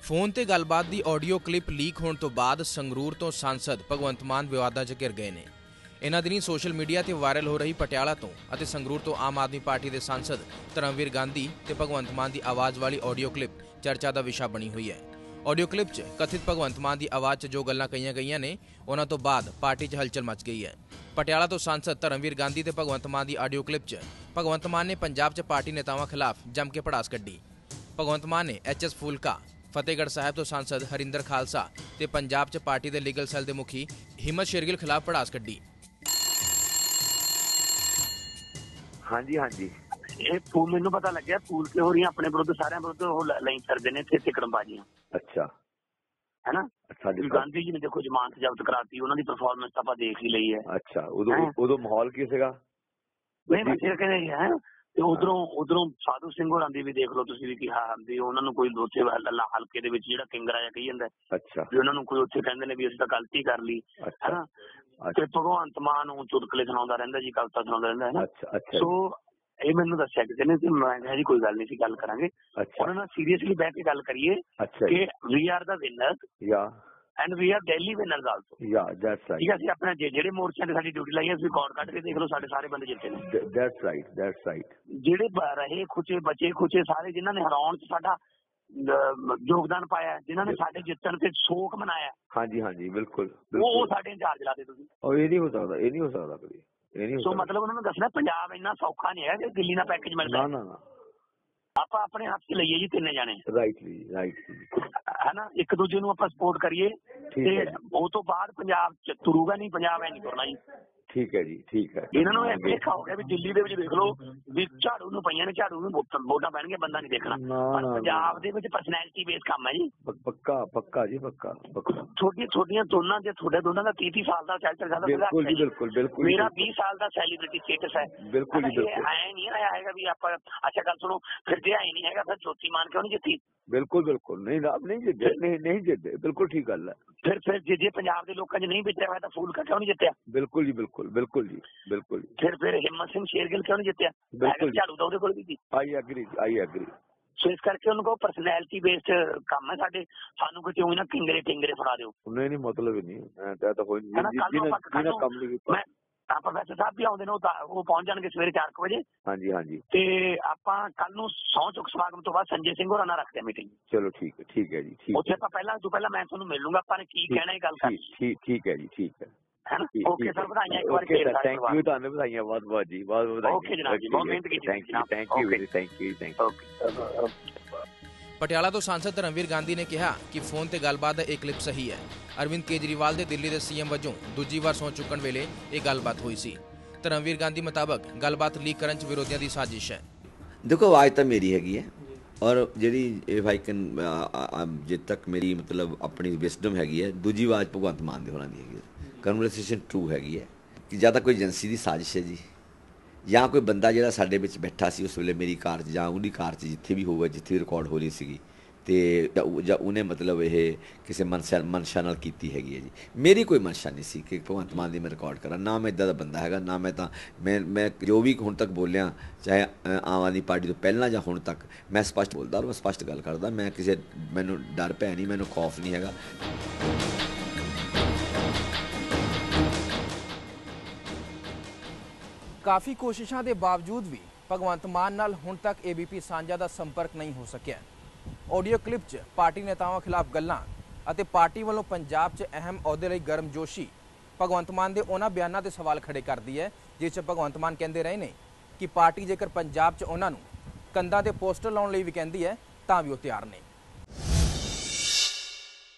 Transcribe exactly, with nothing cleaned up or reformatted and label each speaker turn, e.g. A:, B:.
A: Phone ते गलबात की ऑडियो क्लिप लीक होने तो बाद संगरूर तो सांसद भगवंत मान विवादां च घिर गए ने। इन्हां दिनीं सोशल मीडिया ते वायरल हो रही पटियाला तो अते संगरूर तो आम आदमी पार्टी के सांसद धर्मवीर गांधी ते भगवंत मान की आवाज़ वाली ऑडियो क्लिप चर्चा का विषय बनी हुई है। ऑडियो क्लिप च कथित भगवंत मान की आवाज़ च जो गल्लां कहीआं गईआं ने उन्हां तो बाद पार्टी च हलचल मच गई है। पटियाला तो सांसद धर्मवीर गांधी ते भगवंत मान की ऑडियो क्लिप च भगवंत मान ने पंजाब च पार्टी नेतावां खिलाफ जम के भड़ास कड्ढी। भगवंत मान ने एच एस फूलका, फतेहगढ़ साहब तो सांसद हरिंदर खालसा ते पंजाब च पार्टी के लीगल सैल के मुखी हिम्मत शेरगिल खिलाफ भड़ास कड्ढी।
B: हाँ जी हाँ जी ये फूल मैनू पता लग्या फूल के हो रही अपने विरुद्ध सारे विरुद्ध लाई करते हैं इतने तिकड़मबाजियां। अच्छा है ना। अच्छा गांधी जी ने देखो जमानत जब्त कराती उन्होंने परफॉर्मेंस तो आप देख ही ली है। अच्छा उदो उदो माहौल की सीगा नहीं बच्चे कहने है ਤੇ ਉਧਰੋਂ ਉਧਰੋਂ ਸਾਧੂ ਸਿੰਘ ਹੋਰਾਂ ਦੀ ਵੀ ਦੇਖ ਲਓ ਤੁਸੀਂ ਵੀ ਕਿਹਾ ਵੀ ਉਹਨਾਂ ਨੂੰ ਕੋਈ ਉੱਥੇ ਹਲਕੇ ਦੇ ਵਿੱਚ ਜਿਹੜਾ ਕਿੰਗਰਾ ਜਿਹਾ ਕਹੀ ਜਾਂਦਾ ਅੱਛਾ ਵੀ ਉਹਨਾਂ ਨੂੰ ਕੋਈ ਉੱਥੇ ਕਹਿੰਦੇ ਨੇ ਵੀ ਅਸੀਂ ਤਾਂ ਗਲਤੀ ਕਰ ਲਈ ਹੈਨਾ ਤੇ ਭਗਵੰਤ ਮਾਨ ਨੂੰ ਚੁਟਕਲੇ ਸੁਣਾਉਂਦਾ ਰਹਿੰਦਾ ਜੀ ਕਵਿਤਾ ਸੁਣਾਉਂਦਾ ਰਹਿੰਦਾ ਹੈ ਨਾ। ਅੱਛਾ ਸੋ ਇਹ ਮੈਨੂੰ ਦੱਸਿਆ ਕਿਸੇ ਨੇ ਤੇ ਮੈਂ ਕਿਹਾ ਜੀ ਕੋਈ ਗੱਲ ਨਹੀਂ ਸੀ ਗੱਲ ਕਰਾਂਗੇ ਉਹਨਾਂ ਨਾਲ ਸੀਰੀਅਸਲੀ ਬੈਠ ਕੇ ਗੱਲ ਕਰੀਏ ਕਿ ਵੀ ਆਰ ਦਾ ਵਿਨਰ ਯਾ and we are Delhi winners also. Yeah, that's right. ठीक है, अपने जेड़े मोर्चे ते साडी ड्यूटी लाई है रिकॉर्ड कट के देख लो साडे सारे बंदे जिते ने। That's right, that's right. जेड़े रहे खुचे बचे खुचे सारे जिन्हां ने हराउण च साडा योगदान पाया जिन्हां ने साडे जितण ते शोक मनाया। हां जी हां जी बिल्कुल वो साडे इंचार्ज ला दे तुसीं। और ये नहीं हो सकदा ये नहीं हो सकदा कभी ये नहीं हो सकदा। सो मतलब उन्होंने दसना पंजाब इन्ना सौखा नहीं है कि दिल्ली ना पैकेज मिलदा। ना ना ना आप अपने हाथ से लईए जी तीन जाने। राइटली राइटली है ना एक दूजे ਨੂੰ ਆਪਾਂ ਸਪੋਰਟ ਕਰੀਏ ਤੇ ਉਹ ਤੋਂ ਬਾਅਦ ਪੰਜਾਬ ਚ ਤੁਰੂਗਾ ਨਹੀਂ ਪੰਜਾਬ ਐ ਨਹੀਂ ਤੁਰਨਾ ਜੀ। ਠੀਕ ਹੈ ਜੀ ਠੀਕ ਹੈ ਇਹਨਾਂ ਨੂੰ ਇਹ ਦੇਖਾ ਹੋ ਗਿਆ ਵੀ ਦਿੱਲੀ ਦੇ ਵਿੱਚ ਦੇਖ ਲਓ ਵੀ ਝਾੜੂ ਨੂੰ ਪਈਆਂ ਨੇ ਝਾੜੂ ਨੂੰ ਵੋਟਾਂ ਪੈਣਗੇ ਬੰਦਾ ਨਹੀਂ ਦੇਖਣਾ ਪਰ ਪੰਜਾਬ ਦੇ ਵਿੱਚ ਪਰਸਨੈਲਿਟੀ ਬੇਸ ਕੰਮ ਹੈ ਜੀ। ਪੱਕਾ ਪੱਕਾ ਜੀ ਪੱਕਾ ਛੋਟੀਆਂ ਛੋਟੀਆਂ ਦੋਨਾਂ ਦੇ ਤੁਹਾਡੇ ਦੋਨਾਂ ਦਾ ਤੀਹ ਤੀਹ ਸਾਲ ਦਾ ਚੱਲ ਚੱਲ ਜਾਂਦਾ ਬਿਲਕੁਲ ਜੀ ਬਿਲਕੁਲ ਬਿਲਕੁਲ ਮੇਰਾ ਵੀਹ ਸਾਲ ਦਾ ਸੈਲੀਬ੍ਰਿਟੀ ਸਟੇਟਸ ਹੈ ਬਿਲਕੁਲ ਜੀ ਬਿਲਕੁਲ ਐ ਨਹੀਂ ਆਇਆ ਹੈਗਾ ਵੀ ਆਪਾਂ ਅੱਛਾ ਗੱਲ ਸੁਣੋ ਫਿਰ ਜੇ ਐ ਨਹੀਂ ਹੈਗਾ ਫਿਰ ਜੋਤੀ ਮਾਨ ਕਿਉਂ ਨਹੀਂ ਜਿੱਤੀ। ਬਿਲਕੁਲ ਬਿਲकुल नहीं आप नहीं जिते नहीं नहीं जिते बिल्कुल ठीक गल है। फिर फिर जे जे पंजाब के लोगों ने नहीं बेचा हुआ तो फूलका क्यों नहीं जितया। बिल्कुल जी बिल्कुल बिल्कुल जी बिल्कुल। फिर फिर हिम्मत सिंह शेरगिल क्यों नहीं जितया। बिल्कुल झाड़ू तो कोल भी थी। I agree I agree. सो इस करके उनको पर्सनैलिटी बेस्ड काम है साडे सानू किते होई ना किंगरे टिंगरे फड़ा दिओ। नहीं नहीं मतलब ही नहीं मैं तो कोई जिन्हें जिन्हें काम नहीं कीता प्रोफेसर साहब भी आउंदे ने वो पहुंच जाएंगे सवेरे चार बजे। हाँ जी हाँ जी ते आपां कल नूं सौं चुक समागम तो बाद संजय सिंह होरां नाल रखते हैं मीटिंग। चलो ठीक है ठीक है जी ठीक उत्थे आपां पहला तो पहला मैं तुहानूं मिल लूंगा आपां ने की कहना है गल कर ठीक ठीक है जी ठीक है है ना। ओके सर बधाइयां एक बार फिर थैंक यू तुहानूं बधाइयां बहुत बहुत जी बहुत बहुत बधाइयां। ओके जनाब जी बहुत मेहनत कीती thank you thank you thank you thank you.
A: Patiala तो सांसद धर्मवीर गांधी ने कहा कि फोन ते गलबात का एक क्लिप सही है। अरविंद केजरीवाल के दिल्ली के सीएम वजों दूजी बार सौं चुकण वेले यह गलबात हुई सी। धर्मवीर गांधी मुताबक गलबात लीक करन च विरोधियों की साजिश है।
C: देखो आवाज़ तो मेरी हैगी है और जी इफ आई कैन जे तक मेरी मतलब अपनी विस्डम हैगी है दूजी आवाज़ भगवंत मान दे होना दी हैगी कन्वर्सेशन ट्रू हैगी है कि ज़्यादा कोई एजेंसी की साजिश है जी या कोई बंदा जो साडे विच बैठा सी उस वेले मेरी कार च जां उहदी कार च जिथे भी होगा जिथे भी रिकॉर्ड हो रही सी तो ਜਾਂ ਉਹਨੇ मतलब ये किसी मनशा मनशा नाल कीती हैगी है जी। मेरी कोई मनशा नहीं सी कि भगवंत मान दी मैं रिकॉर्ड करा ना मैं इदा दा बंदा हैगा ना मैं तो मैं मैं जो भी हुण तक बोलिया चाहे आम आदमी पार्टी तो पहला जां हुण तक मैं स्पष्ट बोलदा और मैं स्पष्ट गल करदा मैं किसी मैनू डर भै नहीं मैनू खौफ नहीं हैगा।
A: काफ़ी कोशिशों के बावजूद भी भगवंत मान नाल हुण तक ए बी पी सांझा का संपर्क नहीं हो सकिया। ऑडियो क्लिप च पार्टी नेतावां खिलाफ गल्लां अते पार्टी वालों पंजाब च अहम अहुदे लई गर्मजोशी भगवंत मान के उन्होंने बयानों से सवाल खड़े करती है जिस भगवंत मान कहते रहे ने कि पार्टी जेकर पंजाब च उन्होंने कंधां ते पोस्टर लाउण लई भी कहती है तां भी वो तैयार ने।